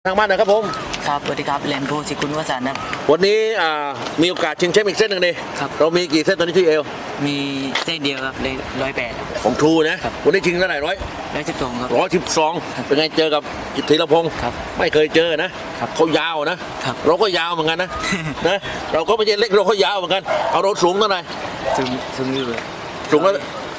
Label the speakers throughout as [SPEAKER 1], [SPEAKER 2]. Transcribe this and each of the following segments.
[SPEAKER 1] ทางบ้านนะครับผม
[SPEAKER 2] ครับสวัสดีครับแลนโพสิคุณวสันต์ครับ
[SPEAKER 1] วันนี้มีโอกาสชิงแชมป์อีกเส้นหนึ่งดิเรามีกี่เส้นตอนนี้ที่เอว
[SPEAKER 2] มีเส้นเดียวครับเลย108
[SPEAKER 1] ของทรูนะวันนี้ชิงเท่าไหร่
[SPEAKER 2] 112ครับ
[SPEAKER 1] 112เป็นไงเจอกับกิตธีรพงศ์ไม่เคยเจอนะเขายาวนะเราก็ยาวเหมือนกันนะนะเราก็ไม่ใช่เล็กเราก็ยาวเหมือนกันเอาเราสูงเท่าไหร่
[SPEAKER 2] สูงอยู่
[SPEAKER 1] สูงแล้ว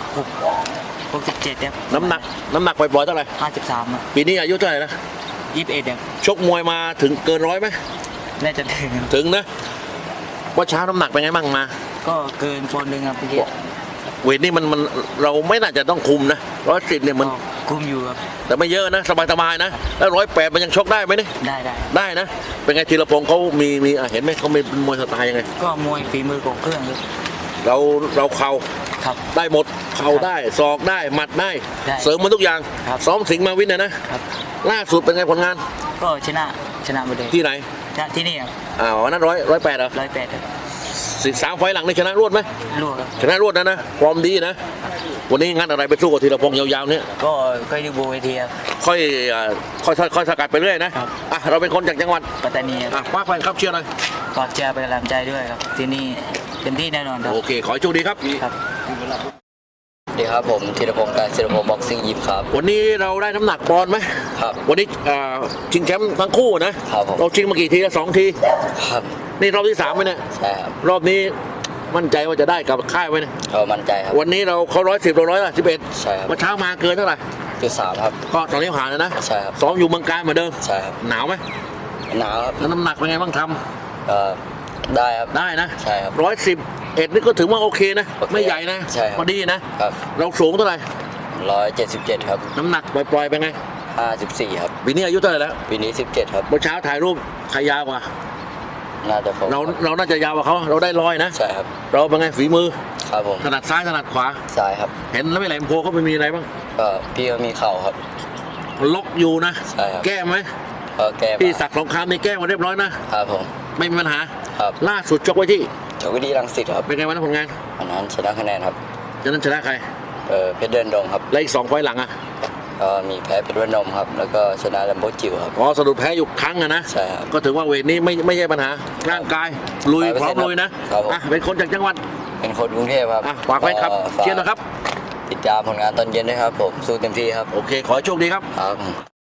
[SPEAKER 2] 67ครับ
[SPEAKER 1] น้ำหนักปล่อยๆเท่าไหร่
[SPEAKER 2] 53ครับ
[SPEAKER 1] ปีนี้อายุเท่าไหร่นะ
[SPEAKER 2] 21ครับ
[SPEAKER 1] ชกมวยมาถึงเกิน100ไหม
[SPEAKER 2] น่าจะ
[SPEAKER 1] ถึงนะว่าเช้าน้ำหนักเป็นไงบ้างมา
[SPEAKER 2] ก็เกินปอนด์นึงครับพี่
[SPEAKER 1] เวทนี่มันเราไม่น่าจะต้องคุมนะ110เนี่ยมัน
[SPEAKER 2] คุมอยู่ครับ
[SPEAKER 1] แต่ไม่เยอะนะสบายๆนะแล้ว108มันยังชกได้ไหมเนี่ยได้นะเป็นไงธีรพงศ์เขามีเห็นไหมเขามีมวยสไตล์ยังไง
[SPEAKER 2] ก็มวยฝีมือของเครื่อง
[SPEAKER 1] เราเข่าได้หมดเข่าได้ศอกได้หมัดได้เสริมมันทุกอย่างซ้อมสิงห์มาวินนะล่าสุดเป็นไงผลงาน
[SPEAKER 2] ก็ชนะหมดเลย
[SPEAKER 1] ที่ไหน
[SPEAKER 2] ที่นี่ครับ
[SPEAKER 1] นั้น108เหรอ
[SPEAKER 2] 108ครับ
[SPEAKER 1] 3 ไฟล์หลังนี่ชนะรวดไหม
[SPEAKER 2] รวดครับ
[SPEAKER 1] ชนะรวดนะฟอร์มดีนะวันนี้งั้นอะไรไปสู้กับธีรพงศ์ยาวๆเนี่ย
[SPEAKER 2] ก็ดูโบเวทีครับ
[SPEAKER 1] ค่อยสกัดไปเรื่อยนะเราเป็นคนจากจังหวัด
[SPEAKER 2] ปัตตานีครับ
[SPEAKER 1] คว้าแฟนครับเชียร์หน่อย
[SPEAKER 2] ฝากเชียร์เป็นกำลังใจด้วยครับที่นี่เต็มที่แน่นอนครับ
[SPEAKER 1] โอเคขอให้โชคดีครับ
[SPEAKER 3] ดีครับผมธีรพงศ์การศิลปบ็อกซิ่งยิมครับ
[SPEAKER 1] วันนี้เราได้น้ำหนักปอนด์ไหม
[SPEAKER 3] ครับ
[SPEAKER 1] วันนี้ชิงแชมป์ทั้งคู่นะครับเราชิงมากี่ทีแล้ว2 ที
[SPEAKER 3] ครับ
[SPEAKER 1] นี่รอบที่3ไหมเนี่ย
[SPEAKER 3] ใช่ครับ
[SPEAKER 1] รอบนี้มั่นใจว่าจะได้กับค่ายไหมเนี่ย
[SPEAKER 3] มั่นใจครับ
[SPEAKER 1] วันนี้เขา110เรา
[SPEAKER 3] ใช่ครับ
[SPEAKER 1] เมื่อเช้ามาเกินเท่าไหร่
[SPEAKER 3] 3ครับ
[SPEAKER 1] ก็ตอนนี้ผ่านแล้วนะ
[SPEAKER 3] ใช่ครับ
[SPEAKER 1] ซ้อมอยู่เมืองการเหมือนเดิม
[SPEAKER 3] ใช่ครับ
[SPEAKER 1] หนาวไหม
[SPEAKER 3] หนาวครับ
[SPEAKER 1] แล้วน้ำหนักเป็นไงบ้างท
[SPEAKER 3] ำได้ครับ
[SPEAKER 1] ได้นะ
[SPEAKER 3] ใช่ครับ
[SPEAKER 1] 111นี่ก็ถือว่าโอเคนะไม่ใหญ่นะพอดีนะครับเราสูงเท่าไหร่
[SPEAKER 3] 177ครับ
[SPEAKER 1] น้ำหนักปล่อยๆไปไง
[SPEAKER 3] 54ครับ
[SPEAKER 1] ปีนี้อายุเท่าไหร่แล้ว
[SPEAKER 3] ปีนี้17ครับ
[SPEAKER 1] เมื่อเช้าถ่ายรูปใครยาวกว่า
[SPEAKER 3] น่าจะ
[SPEAKER 1] เราน่าจะยาวกว่าเขาเราได้100นะ
[SPEAKER 3] ใช่ครับ
[SPEAKER 1] เราเป็นไงฝีมือ
[SPEAKER 3] ครับผม
[SPEAKER 1] ถนัดซ้ายถนัดขวา
[SPEAKER 3] ซ้ายครับ
[SPEAKER 1] เห็นแล้วไม่แหลมโพเขาไปมีอะไรบ้าง
[SPEAKER 3] พี่เขามีเข่าครับ
[SPEAKER 1] ล็อกอยู่นะ
[SPEAKER 3] ใช่ครับ
[SPEAKER 1] แก้ไหม
[SPEAKER 3] แก้
[SPEAKER 1] พี่ศักดิ์สงครามนี่แก้มาเรียบร้อยนะครับ
[SPEAKER 3] ผม
[SPEAKER 1] ไม่มีปัญหา
[SPEAKER 3] ครับ
[SPEAKER 1] ล่าสุดชกไว้ที่
[SPEAKER 3] รังสิตครับ
[SPEAKER 1] เป็นไงวันนั้นผลงาน
[SPEAKER 3] วันนั้นชนะคะแนนครับ
[SPEAKER 1] ชนะใคร
[SPEAKER 3] เพชรเดินดงครับ
[SPEAKER 1] และอีก2 ไฟล์หลัง
[SPEAKER 3] มีแพ้เพชรเดินดงครับแล้วก็ชนะแลมโบจิ๋วครับ
[SPEAKER 1] สะดุดแพ้อยู่ครั้งนะ
[SPEAKER 3] ใช่ครับ
[SPEAKER 1] ก็ถือว่าเวทนี้ไม่ใช่ปัญหาร่างกายลุยพร้อมลุยนะเป็นคนจากจังหวัด
[SPEAKER 3] เป็นคนกรุงเทพครับ
[SPEAKER 1] ฝากไว้ครับเชียร์นะครับ
[SPEAKER 3] ติดตามผลงานตอนเย็นด้วยครับผมสู้เต็มที่ครับ
[SPEAKER 1] โอเคขอให้โชคดีครับ